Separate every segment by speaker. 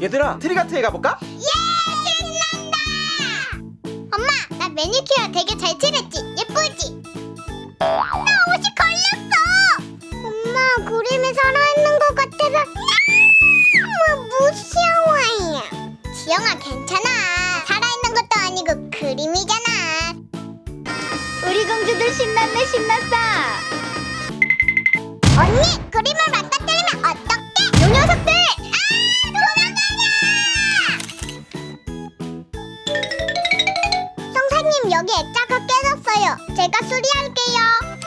Speaker 1: 얘들아, 트리가트에 가볼까?
Speaker 2: 예! 신난다! 엄마, 나 매니큐어 되게 잘 칠했지? 예쁘지? 나 옷이 걸렸어! 엄마, 그림이 살아있는 것 같아서 너무 무서워요. 지영아, 괜찮아. 살아있는 것도 아니고 그림이잖아.
Speaker 3: 우리 공주들 신났네, 신났어.
Speaker 2: 언니, 그림을 망가뜨리면 어떡해? 요 녀석들! 성사님, 여기 액자가 깨졌어요. 제가 수리할게요.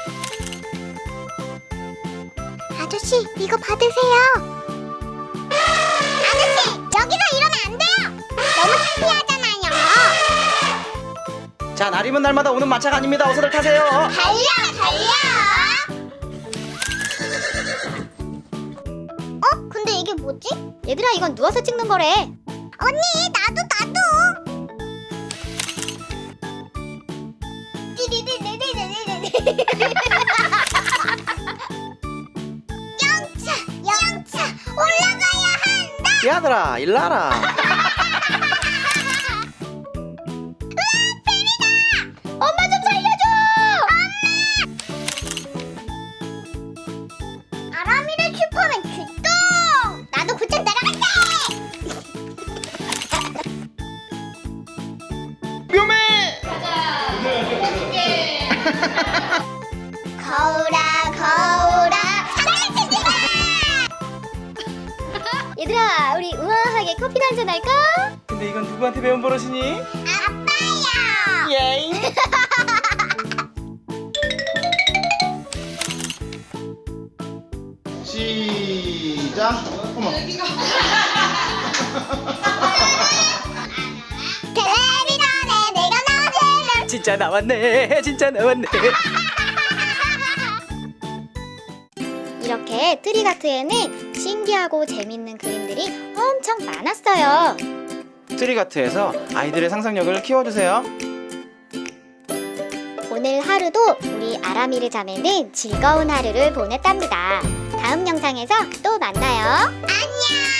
Speaker 2: 아저씨, 이거 받으세요. 아저씨, 여기서 이러면 안 돼요. 너무 창피하잖아요.
Speaker 1: 자, 날이면 날마다 오는 마차가 아닙니다. 어서들 타세요.
Speaker 2: 달려, 달려. 근데 이게 뭐지?
Speaker 3: 얘들아, 이건 누워서 찍는 거래.
Speaker 2: 언니, 나도. 영차, 올라가야 한다.
Speaker 1: 얘들아, 일나라.
Speaker 3: 엄마 좀 살려줘.
Speaker 2: 아람이를 슈퍼맨 출동. 나도 고장 따라갈게.
Speaker 1: 묘매!
Speaker 2: 거울아, 장난치지 마.
Speaker 3: 얘들아, 우리 우아하게 커피나 한잔 할까?
Speaker 1: 근데 이건 누구한테 배운 버릇이니?
Speaker 2: 아빠야.
Speaker 1: 예잉. 시작. 어머.
Speaker 2: 텔레비전에 내가 나오면
Speaker 1: 진짜 나왔네. 진짜 나왔네.
Speaker 3: 이렇게 트리가트에는 신기하고 재밌는 그림들이 엄청 많았어요.
Speaker 1: 트리가트에서 아이들의 상상력을 키워주세요.
Speaker 3: 오늘 하루도 우리 아라미르 자매는 즐거운 하루를 보냈답니다. 다음 영상에서 또 만나요.
Speaker 2: 안녕.